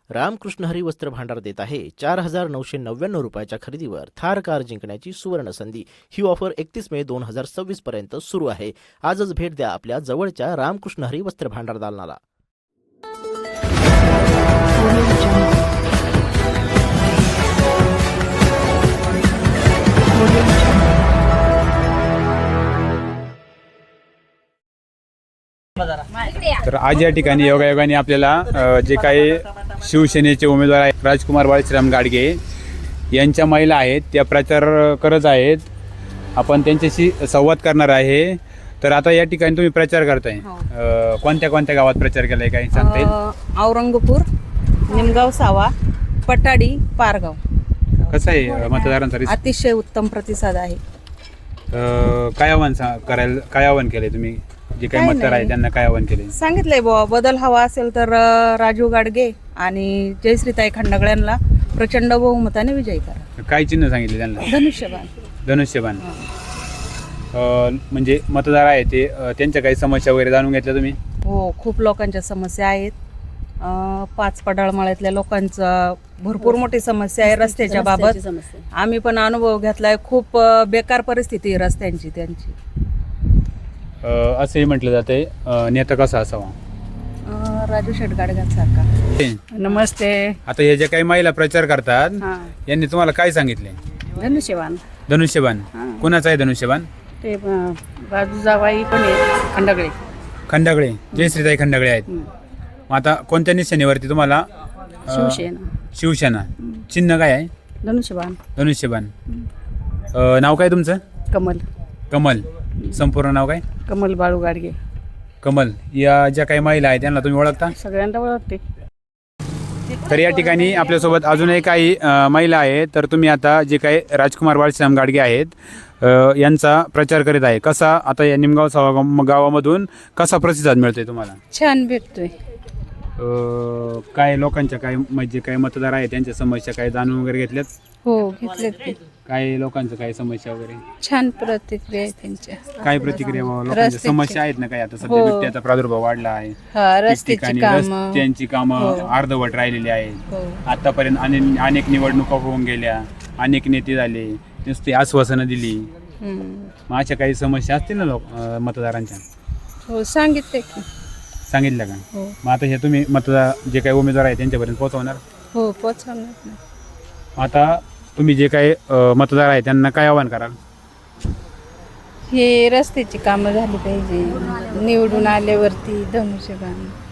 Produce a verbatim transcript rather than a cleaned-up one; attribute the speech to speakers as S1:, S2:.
S1: रामकृष्ण हरी वस्त्र भांडार देत आहे चार हजार नऊशे नव्याण्णव रुपयाच्या खरेदीवर थार कार जिंकण्याची सुवर्ण संधी। ही ऑफर एकतीस मे दोन हजार सव्वीस पर्यंत सुरू आहे। आजच भेट द्या आपल्या जवळच्या रामकृष्ण हरी वस्त्र भांडार दालनाला।
S2: तर आज या ठिकाणी योगायोगाने आपल्याला अ, जे काही शिवसेनेचे उमेदवार आहेत राजकुमार बाळश्राम गाडगे यांच्या महिला आहेत त्या प्रचार करत आहेत। आपण त्यांच्याशी संवाद करणार आहे। तर आता या ठिकाणी तुम्ही प्रचार करताय, अ, कोणत्या कोणत्या गावात प्रचार केलाय काही सांगता येईल?
S3: औरंगपूर, निमगाव, सावा, पटाडी, पारगाव।
S2: कसं आहे मतदारांचा रिस्पॉन्स?
S3: अतिशय उत्तम प्रतिसाद आहे।
S2: अ, काय आव्हान सा- करायला काय आव्हान केलंय तुम्ही? जे काही
S3: काय
S2: मतदार आहे
S3: नाही.
S2: त्यांना काय आव्हान केले?
S3: सांगितलंय बुवा बदल हवा असेल तर अ, राजू गाडगे आणि जयश्रीताई खंडगळ्यांना प्रचंड बहुमताने विजयी करा।
S2: काय चिन्ह सांगितले त्यांना?
S3: धनुष्यबाण।
S2: धनुष्यबाण। अ, म्हणजे मतदार आहे ते अ, त्यांच्या काही समस्या वगैरे जाणून घेतल्या तुम्ही?
S3: हो, खूप लोकांच्या समस्या आहेत। अ, पाच पडाळमाळ्यातल्या लोकांचा भरपूर मोठी समस्या आहे रस्त्याच्या बाबत। आम्ही पण अनुभव घेतलाय, खूप अ, बेकार परिस्थिती आहे रस्त्यांची त्यांची।
S2: अ, असंही म्हटलं जाते नेता कसा असावा?
S3: अ, राजू शेट गाडगांसारखा। नमस्ते।
S2: आता हे जे काही महिला प्रचार करतात
S3: हां,
S2: यांनी तुम्हाला काय सांगितले?
S3: धनुष्यबाण।
S2: धनुष्यबाण
S3: हां.
S2: कुणाचं आहे धनुष्यबाण?
S3: ते अ, राजू जावाई पण आहे, खंडगळे।
S2: खंडागळे, जयश्रीताई खंडागळे आहेत।
S3: हं.
S2: मग आता कोणत्या निशाणीवरती तुम्हाला? अ,
S3: शिवसेना।
S2: शिवसेना। चिन्ह काय आहे?
S3: धनुष्यबाण।
S2: धनुष्यबाण। अ, नाव काय तुमचं?
S3: कमल।
S2: कमल। संपूर्ण नाव काय?
S3: कमल बाळू गाडगे।
S2: कमल। या ज्या काही महिला आहेत त्यांना तुम्ही ओळखता?
S3: सगळ्यांना ओळखते।
S2: तर या ठिकाणी आपल्यासोबत अजूनही काही अ, महिला आहेत। तर तुम्ही आता जे काही राजकुमार बाळश्राम गाडगे आहेत अ, यांचा प्रचार करीत आहे, कसा आता या निमगाव सावा गाव- गावामधून कसा प्रतिसाद मिळतोय तुम्हाला?
S3: छान भेटतोय।
S2: अ, काय लोकांच्या काय म्हणजे काही मतदार आहेत त्यांच्या समस्या काय जाणून वगैरे घेतल्यात?
S3: हो, घेतले ते।
S2: काय लोकांचं काय समस्या वगैरे?
S3: छान प्रतिक्रिया आहे त्यांच्या।
S2: काय प्रतिक्रिया बाबा? लोकांच्या
S3: रस्त्याची.
S2: समस्या आहेत ना काही? आता सध्या
S3: हो.
S2: बिबट्याचा प्रादुर्भाव वाढला आहे,
S3: हा, रस्त्याची
S2: ठिकठिकाणी
S3: कामं।
S2: रस्त्यांची कामं
S3: हो.
S2: अर्धवट राहिलेली आहेत।
S3: हो।
S2: आतापर्यंत अने- अनेक निवडणुका होऊन गेल्या, अनेक नेते झाले, नुसती आश्वासनं दिली।
S3: हम्म.
S2: मग अशा काही समस्या असतील ना लोक अं, मतदारांच्या?
S3: हो, सांगितले की।
S2: सांगितलं का?
S3: हो,
S2: मग आता हे तुम्ही मतदार जे काही उमेदवार आहेत त्यांच्यापर्यंत पोहोचवणार?
S3: हो, पोचवणार ना।
S2: आता तुम्ही जे काही अं, मतदार आहेत त्यांना काय आवाहन कराल?
S3: हे रस्त्याची कामं झाली पाहिजे, निवडून आल्यावरती धनुष्यबाण